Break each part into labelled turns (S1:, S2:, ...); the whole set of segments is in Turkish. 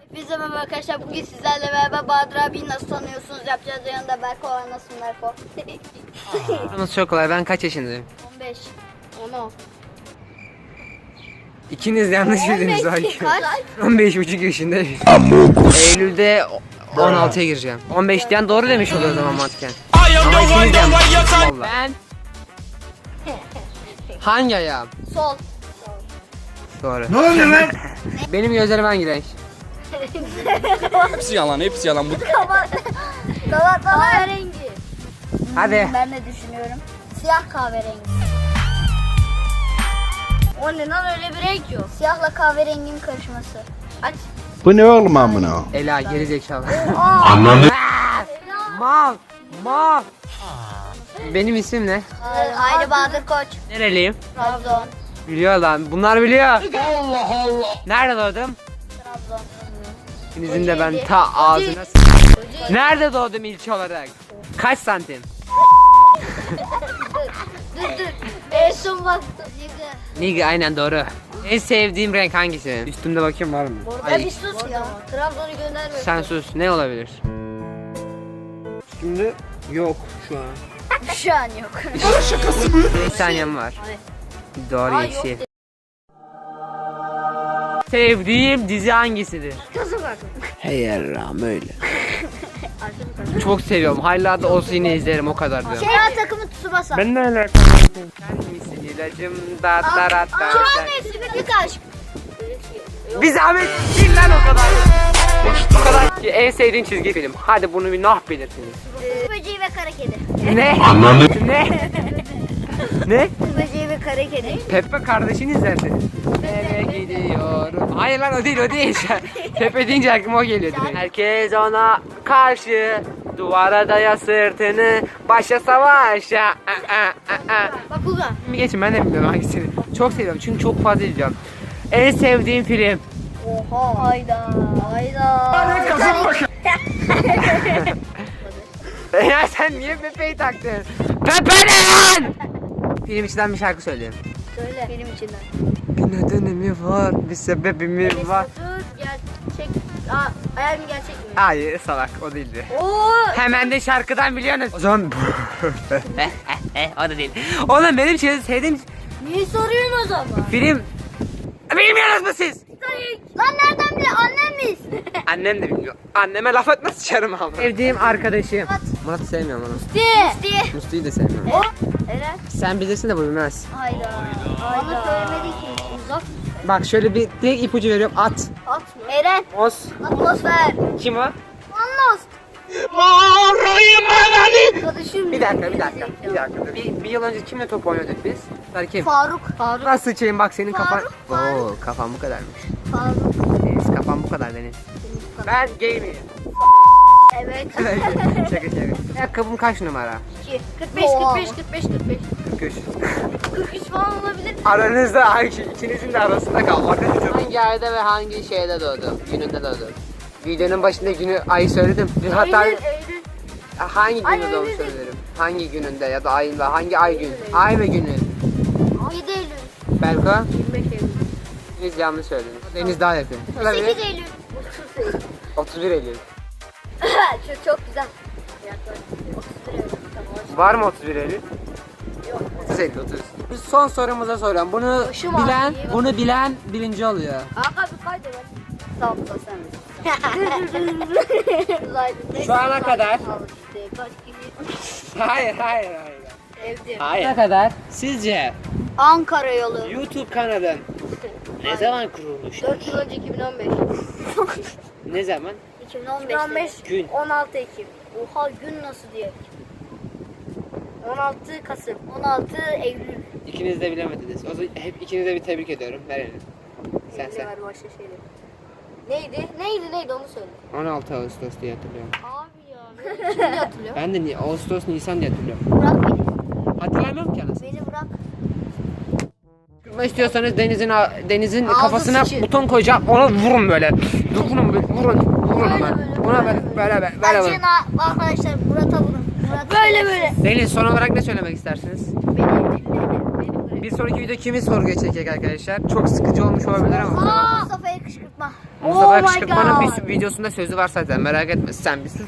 S1: Biz de merhaba arkadaşlar. Bugün sizlerle beraber Bahadır abiyi nasıl tanıyorsunuz yapacağız. Yanında Berko var. Nasılsın Berko?
S2: Nasıl çok kolay. Ben kaç yaşındayım?
S1: 15. 10.
S2: İkiniz yanlış bildiniz
S1: 15
S2: belki.
S1: kaç?
S2: 15,5 yaşındayım. Eylül'de 16'ya gireceğim. 15 diyen doğru demiş oluyor o zaman mantıken. Ama ikiniz yanlış. Ben hangi ayağım?
S1: Sol.
S2: Doğru. Ne oluyor lan? Benim gözlerim hangi renk?
S3: Hepsi yalan, hepsi yalan. Bu
S1: Kahverengi.
S2: Hadi.
S1: Ben de düşünüyorum. Siyah kahverengi. O ne lan, öyle bir renk yok. Siyahla kahverenginin karışması. Aç.
S4: Bu ne oğlum amına?
S2: Ela geri zekalı.
S4: Ananı
S2: Mal. Mal. Benim isim ne?
S1: Hayri Bahadır Koç.
S2: Nereliyim?
S1: Trabzon.
S2: Biliyor lan. Bunlar biliyor. Allah Allah. Nerede doğdum?
S1: Trabzon.
S2: İkinizin de ben
S1: Kocaeli.
S2: ta ağzına Nerede doğdum ilçe olarak? Kaç santim?
S1: Dur. En son baktım.
S2: Nigga aynen doğru. En sevdiğim renk hangisi? Üstümde bakayım var mı?
S1: Ya bir sus ya. Trabzon'u gönderme.
S2: Sen sus. Ne olabilir? Üstümde yok şu an.
S1: Şu an yok.
S2: 5 saniyem var.
S1: Hadi.
S2: Doğru
S1: Aa,
S2: yeşil.
S1: yok.
S2: Sevdiğim dizi hangisidir?
S1: Kızım bak.
S2: Hey yarram öyle. Çok seviyorum. Hala da olsa yine izlerim o kadar diyorum.
S1: Şeyma takımı Tsubasa.
S2: Ben ne alakam? Sen misin ilacım da da da da.
S1: Şu an mevsimlik aşk.
S2: Bir zahmet değil lan o kadar. O kadar ki en sevdiğin çizgi film. Hadi bunu bir nah belirsiniz.
S1: Böceği ve kara kedi.
S2: Ne?
S4: Ananı
S2: Ne? Ne?
S1: Böceği ve kara kedi.
S2: Pepe kardeşini izlerdi. Eve gidiyorum. Hayır lan o değil. Pepe deyince aklıma o geliyor direkt. Herkes ona karşı duvara daya sırtını başa savaşa.
S1: Bakugan.
S2: Bir geçin ben de bilmiyorum hangisini. Çok seviyorum çünkü çok fazla izliyorum. En sevdiğim film.
S1: Oha. Hayda.
S2: Ya sen niye Pepe'yi taktın? Pepe ne lan? Film içinden bir şarkı söyleyeyim.
S1: Söyle. Film içinden.
S2: Bir nedeni mi var? Bir sebebi mi var?
S1: Gerçek. Hayal mi gerçek mi?
S2: Hayır salak o değildi.
S1: Oo.
S2: Hemen de şarkıdan biliyorsunuz. O zaman o da değil. Oğlum benim sevdiğim
S1: Niye soruyorsun o zaman?
S2: film. Bilmiyorsunuz mu siz?
S1: Lan nereden bile annemiz?
S2: Annem de bilmiyor. Anneme laf etmez sıçarım abi. Sevdiğim arkadaşım. Murat'ı sevmiyorum onu.
S1: Diye.
S2: Musti'yi de sevmiyorum.
S1: Eren.
S2: Sen bilirsin de bu bilmez.
S1: Hayda. Bana söylemedi ki. Uzak.
S2: Bak şöyle bir direkt ipucu veriyorum. At.
S1: At mı? Eren.
S2: Os.
S1: Atmosfer.
S2: Kim o?
S1: Anlost. Arkadaşım.
S2: Bir dakika. Bir yıl önce kimle top oynuyorduk biz? Kim?
S1: Faruk.
S2: Nasıl sıçayım bak senin kafan.
S1: Faruk.
S2: Oo kafan bu kadarmış.
S1: Faruk.
S2: Deniz kafan bu kadar Deniz. Ben gameyim.
S1: Evet.
S2: Şaka. Ayakkabım kaç numara?
S1: 2. 45.
S2: 43.
S1: 43 falan olabilir.
S2: Aranızda ikinizin de arasında kal. Hangi ayda ve hangi şeyde doğdum? Gününde doğdum. Videonun başında günü ayı söyledim. Hatta
S1: Eylül.
S2: hangi
S1: Ay,
S2: günü doğum
S1: Eylül.
S2: söylerim? Hangi gününde ya da ayında hangi ay gün? Ay ve günü.
S1: 7 Eylül.
S2: Belko?
S1: 25 Eylül.
S2: Deniz yanlış söylediniz. Deniz daha yakın.
S1: 8 Eylül.
S2: 31 Eylül.
S1: çok güzel. 31 Eylül.
S2: Var mı 31 Eylül? Yok. 30 Eylül 30. Biz son sorumuza soruyorum.
S1: Başım ağrıyor.
S2: Bunu bilen birinci oluyor.
S1: Abi kaydı var. Sağ ol sen.
S2: Şu ana kadar.
S1: Kaç gibi.
S2: Hayır.
S1: Evde.
S2: Hayır. Ne kadar? Sizce
S1: Ankara yolu.
S2: YouTube kanalın ne zaman kurulmuştur?
S1: 4 yıl önce 2015.
S2: Ne zaman?
S1: 2015.
S2: Gün.
S1: 16 Ekim. Oha gün nasıl diye. 16 Kasım. 16 Eylül.
S2: İkiniz de bilemediniz. O zaman hep ikinize bir tebrik ediyorum. Verelim. Sen.
S1: Var başka şeyler. Neydi onu söyle.
S2: 16 Ağustos diye hatırlıyorum.
S1: Abi ya. Şimdi hatırlıyor.
S2: Ben de Ağustos, Nisan diye hatırlıyorum.
S1: Bırak beni.
S2: Hatırlamıyorum ki anasını.
S1: Beni bırak.
S2: Kırma istiyorsanız Deniz'in
S1: Ağzı
S2: kafasına
S1: sıçı.
S2: buton koyacağım. Ona vurun böyle. Vurun ona. Ona böyle.
S1: Bence arkadaşlar Murat'a vurun. Böyle.
S2: Deniz son olarak ne söylemek istersiniz?
S1: Benim
S2: Bir sonraki video kimi sorguya çekecek arkadaşlar? Çok sıkıcı olmuş olabilir ama.
S1: Mustafa'yı kışkırtma.
S2: Mustafa
S1: my
S2: Kışkırtma'nın
S1: God.
S2: bir videosunda sözü var zaten, merak etme, sen bir sus.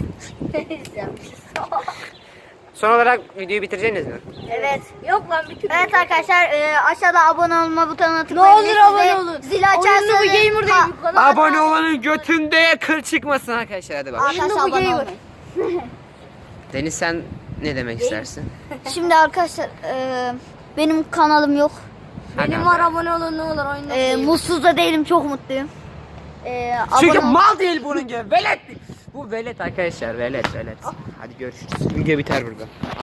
S2: Son olarak videoyu bitireceksiniz mi?
S1: Evet.
S3: Yok lan bir türlü.
S1: Evet arkadaşlar aşağıda abone olma butonuna
S3: Ne
S1: tıklayın.
S3: olur
S1: Ve
S3: abone
S1: size
S3: olun.
S1: Zil açarsanız.
S3: Oyunlu bu gamer değil bu kanal.
S2: Abone olanın götünde kıl çıkmasın arkadaşlar, hadi bak.
S1: Arkadaşlar
S3: Oyunlu bu
S1: abone
S3: gamer.
S1: olmayın.
S2: Deniz, sen ne demek istersin?
S1: Şimdi arkadaşlar benim kanalım yok.
S2: Hadi
S3: Benim
S2: abi.
S3: var, abone olun ne olur oyunlu bu gamer.
S1: Mutsuz da değilim, çok mutluyum.
S2: Çünkü
S1: Abone ol-
S2: mal değil bunun gibi, velet. Bu velet arkadaşlar, velet. Hadi görüşürüz. Video biter burada.